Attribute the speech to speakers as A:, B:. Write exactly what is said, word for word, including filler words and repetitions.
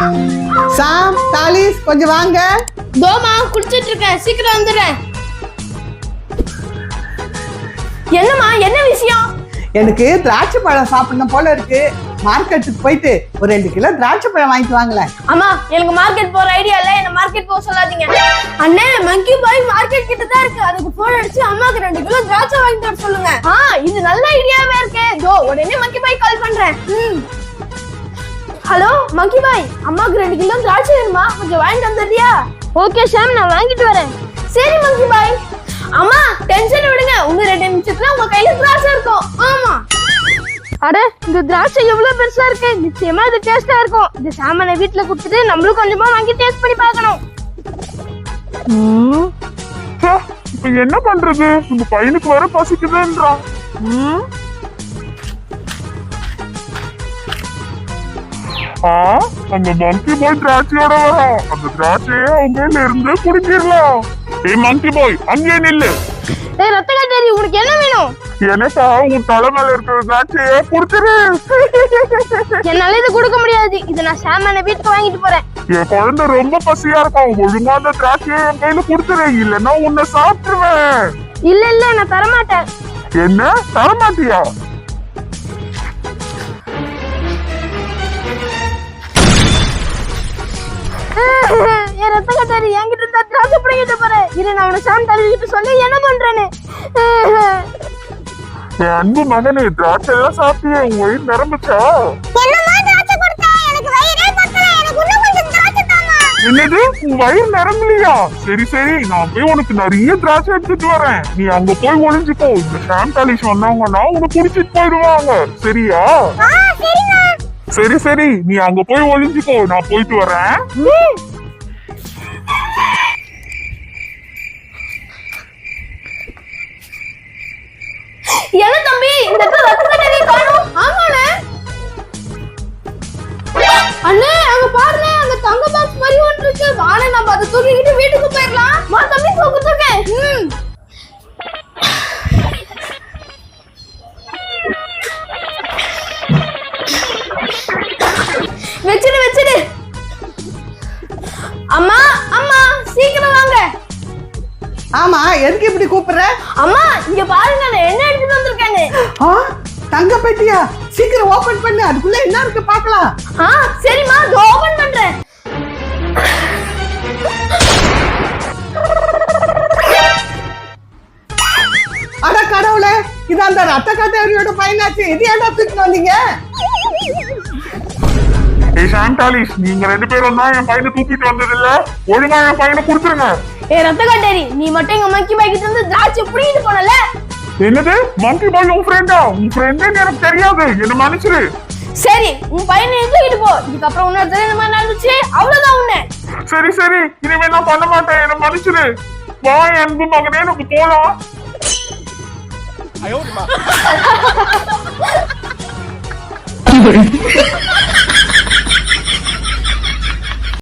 A: சாம் தாலிஸ் கொஞ்சம் வாங்க.
B: தோமா குடிச்சிட்டு இருக்கேன், சீக்கிரம் வந்துடுறேன். என்னம்மா, என்ன விஷயம்?
A: எனக்கு திராட்சை பழம் சாப்பிடணும் போல இருக்கு. மார்க்கெட்டுக்கு போயிட்டு ஒரு ரெண்டு கிலோ திராட்சை பழம் வாங்கிட்டு வாங்களேன்.
B: அம்மா, எனக்கு மார்க்கெட் போற ஐடியா இல்ல, என்ன மார்க்கெட் போக சொல்லாதீங்க. அண்ணே, மங்கி பாய் மார்க்கெட் கிட்ட தான் இருக்கு. அதுக்கு போன் அடிச்சு அம்மாக்கு ரெண்டு கிலோ திராட்சை வாங்கிட்டு வர சொல்லுங்க. ஆ, இது நல்ல ஐடியாவே இருக்கே. தோ உடனே மங்கி பாய் கால் பண்றேன். ம். ஹலோ மங்கி பாய், அம்மாக்கு ரெண்டு கிலோ திராட்சை வேணுமா? கொஞ்சம் வாங்கிட்டு வந்துடுறியா? ஓகே ஷாம், நான் வாங்கிட்டு வரேன். சரி மங்கி பாய். அம்மா டென்ஷன் விடுங்க, உங்க ரெண்டு நிமிஷத்துல உங்க கையில திராட்சை இருக்கும். ஆமா. அட, இந்த திராட்சை எவ்வளவு பெருசா இருக்கு. நிச்சயமா இது டேஸ்டா இருக்கும். இது சாமான வீட்டுல குடுத்துட்டு நம்மளும் கொஞ்சமா வாங்கி டேஸ்ட் பண்ணி பார்க்கணும்.
C: இப்ப என்ன பண்றது? உங்க பையனுக்கு வர பசிக்குதுன்றான். அந்த மங்கி பாய் திராட்சையோட வரும். அந்த திராட்சையை அவங்க இருந்து குடிச்சிடலாம். ஏய் மங்கி பாய், அங்கே நில்லு.
B: ஏய் ரத்தக்காட்டேரி, உனக்கு என்ன வேணும்?
C: எனக்கா உன் தலை மேல இருக்கிற திராட்சையை குடுத்துரு.
B: என்னால இது கொடுக்க முடியாது. இதை நான் சாமான வீட்டுக்கு வாங்கிட்டு போறேன்.
C: என் குழந்தை ரொம்ப பசியா இருக்கும். ஒழுங்கா அந்த திராட்சையை என் கையில குடுத்துரு, இல்லன்னா உன்னை சாப்பிட்டுருவேன்.
B: இல்ல இல்ல, நான் தரமாட்டேன்.
C: என்ன தரமாட்டியா?
B: என் ரத்த கட்டாரி என்கிட்ட இருந்தா திராட்சை பிடிக்கிட்டு போறேன். இரு, நான் உன சாம் தழுவிட்டு சொல்லி என்ன பண்றேன்னு.
C: என் அன்பு மகனே, திராட்சை எல்லாம் சாப்பிட்டியே, உன் வயிறு நிரம்பிச்சா? என்னது, உன் வயிறு நிரம்பலையா? சரி சரி, நான் போய் உனக்கு நிறைய திராட்சை எடுத்துட்டு வரேன். நீ அங்க போய் ஒளிஞ்சுக்கோ. இந்த ஷாம் தாலிஷ் வந்தாங்கன்னா உனக்கு குடிச்சிட்டு போயிடுவாங்க. சரியா? சரி சரி, நீ அங்க போய் ஒளிஞ்சுக்கோ, நான் போயிட்டு வரேன்.
B: என்ன தம்பி, இந்த இடத்துல ரத்த கட்டாரி காணோம்? ஆமாண்ணே. அண்ணே, அங்க பாருண்ணே, அந்த தங்க பாக்ஸ் மாதிரி ஒன்று இருக்கு. வாணே, நம்ம அதை தூக்கிக்கிட்டு வீட்டுக்கு போயிடலாம். வா தம்பி, தூக்கு தூக்கு. ம். வெச்சிடு வெச்சிடு. அம்மா அம்மா, சீக்கிரம் வாங்க.
A: ஆமா, எதுக்கு இப்படி கூப்பிடுற?
B: அம்மா, இங்க பாருங்க, நான் என்ன எடுத்துட்டு வந்திருக்கேன்னு.
A: ஆ, தங்க பெட்டியா? சீக்கிரம் ஓபன் பண்ணு, அதுக்குள்ள என்ன இருக்கு பார்க்கலாம்.
B: ஆ சரிம்மா, இதோ ஓபன் பண்றேன்.
A: அட கடவுளே, இது அந்த ரத்த கட்டாரியோட பையனாச்சு. இது ஏன்டா தூக்கிட்டு வந்தீங்க?
C: ஏய் ஷாம் தாலிஷ், நீங்க ரெண்டு பேரும் தான் என் பையனை தூக்கிட்டு வந்தது இல்ல. ஒழுங்கா என் பையனை கொடுத்துருங்க.
B: ஏ ரத்த கட்டாரி, நீ மட்டும் எங்க மங்கி பாய் கிட்ட இருந்து திராட்சை புடிங்கிட்டு போனல.
C: என்னது, மங்கி பாய் உன் ஃப்ரெண்டா? உன் ஃப்ரெண்டுன்னு எனக்கு தெரியாது, என்ன மன்னிச்சிரு.
B: சரி, உன் பையனை தூக்கிட்டு போ. இதுக்கப்புறம் உன்ன தெரிஞ்ச இந்த மாதிரி நடந்துச்சு, அவ்வளவுதான் உன்னை.
C: சரி சரி, இனிமே நான் பண்ண மாட்டேன், என்ன மன்னிச்சிரு. வா அன்பு மகனே, நமக்கு போலாம். ஐயோ